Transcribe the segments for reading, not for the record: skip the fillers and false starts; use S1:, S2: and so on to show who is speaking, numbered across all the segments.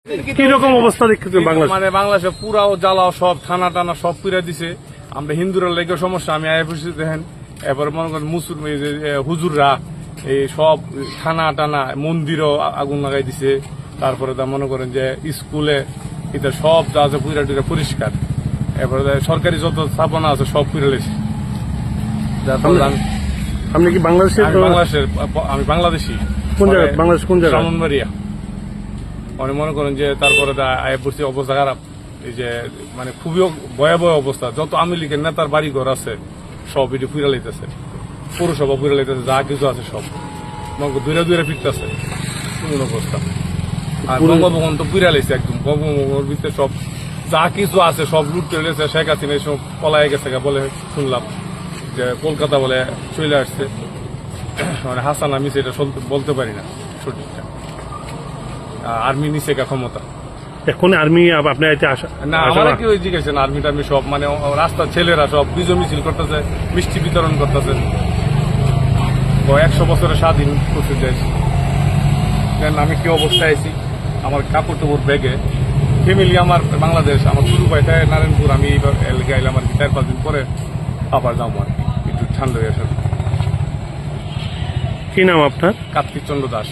S1: কিরকম অবস্থা দেখতেছেন বাংলাদেশ?
S2: মানে বাংলাদেশে পুরাও জ্বালাও সব থানা টানা সব পুরা দিছে। আমরা হিন্দুরা লেগে সমস্যা আমি আইএফসি দেখেন, এরপরে মনে করেন হুজুররা এই সব থানা টানা মন্দিরও আগুন লাগাই দিছে। তারপরে তা মনে করেন যে স্কুলে এটা সব যা আছে পুরা টুরা পরিষ্কার। এরপরে সরকারি যত স্থাপনা আছে সব পুরা লেছে।
S1: আপনি কি বাংলাদেশের?
S2: আমি বাংলাদেশি।
S1: কোন জায়গা? বাংলাদেশ কোন জায়গা?
S2: ব্রাহ্মণবাড়িয়া। অনেক মনে করেন যে তারপরে আইএফসি অবস্থা খারাপ, এই যে মানে খুবই ভয়াবহ অবস্থা। যত আওয়ামী লীগের নেতার বাড়ি ঘর আছে সব এটি পুরা লাইতেছে, পৌরসভা পুরা লাইতেছে, যা কিছু আছে সব দূরে দূরে ফিরতেছে কোন অবস্থা। আর বঙ্গভবন তো পুরা লাইছে একদম। বঙ্গভবনের ভিতরে সব যা কিছু আছে সব লুট করে লেছে। শেখ হাসিনা সব পলায় গেছে বলে শুনলাম, যে কলকাতা বলে চলে আসছে। মানে হাসান আমি সেটা বলতে পারি না সঠিকটা। আর্মি নিচে ক্ষমতা
S1: এখন আর্মি আপনার এতে আসা
S2: না, আমার কি ওই জিজ্ঞেস আর্মি টার্মি সব মানে রাস্তার ছেলেরা সব বিজয় মিছিল করতেছে, মিষ্টি বিতরণ করতেছে। 100 বছরের স্বাধীন করতে দেশ। আমি কি অবস্থায় আছি, আমার কাপড় টাপড় ব্যাগে ফ্যামিলি আমার বাংলাদেশ, আমার শুরু পাইতে নারায়ণপুর। আমি এইবার গাইলাম আর কি 4-5 দিন পরে আবার যাবো আর কি, একটু ঠান্ডা হয়ে আসে।
S1: কি নাম আপনার?
S2: কার্তিক চন্দ্র দাস।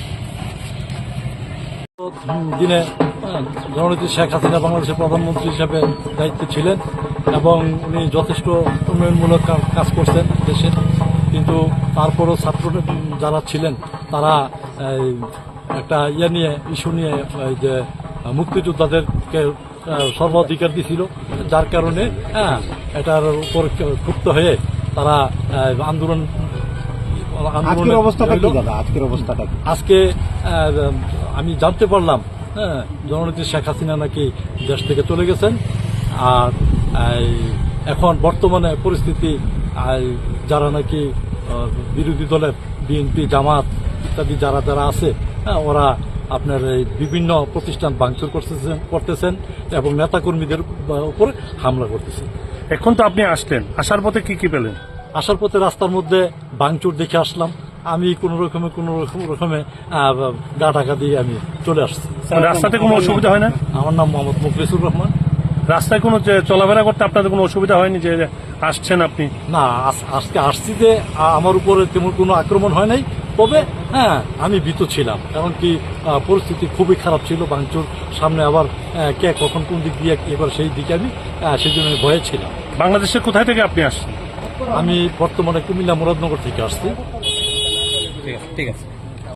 S3: দিনে জননেত্রী শেখ হাসিনা বাংলাদেশের প্রধানমন্ত্রী হিসাবে দায়িত্বে ছিলেন এবং উনি যথেষ্ট উন্নয়নমূলক কাজ করছেন দেশে। কিন্তু তারপরও ছাত্র যারা ছিলেন তারা একটা ইস্যু নিয়ে যে মুক্তিযোদ্ধাদেরকে সর্বাধিকার দিয়েছিল, যার কারণে এটার উপর ক্ষুব্ধ হয়ে তারা আন্দোলন।
S4: আজকের অবস্থাটা কি দাদা?
S3: আজকে আমি জানতে পারলাম জননেত্রী শেখ হাসিনা নাকি দেশ থেকে চলে গেছেন। আর এখন বর্তমানে পরিস্থিতি যারা নাকি বিরোধী দলের বিএনপি জামাত ইত্যাদি যারা যারা আছে ওরা আপনার এই বিভিন্ন প্রতিষ্ঠান ভাঙচুর করতেছেন এবং নেতাকর্মীদের উপরে হামলা করতেছেন।
S1: এখন তো আপনি আসলেন, আসার পথে কি কি পেলেন?
S3: আসার পথে রাস্তার মধ্যে ভাঙচুর দেখে আসলাম। আমি কোন রকমে গা ঢাকা দিয়ে আমি চলে আসছি।
S1: রাস্তাতে কোনো অসুবিধা হয় না?
S3: আমার নাম মোহাম্মদ মুখলিসুর রহমান।
S1: রাস্তায় কোনো চলাফেরা করতে আপনাদের কোনো অসুবিধা হয়নি যে আসছেন আপনি?
S3: না, আজকে আসছি যে আমার উপরে তেমন কোনো আক্রমণ হয় নাই। তবে আমি ভীত ছিলাম, কারণ কি পরিস্থিতি খুবই খারাপ ছিল। ভাঙচুর সামনে, আবার কে কখন কোন দিক দিয়ে কি করে সেই দিকে আমি সেই জন্য ভয়ে ছিলাম।
S1: বাংলাদেশের কোথায় থেকে আপনি আসছেন?
S3: আমি বর্তমানে কুমিল্লা মুরাদনগর থেকে আসছি।
S2: ঠিক আছে।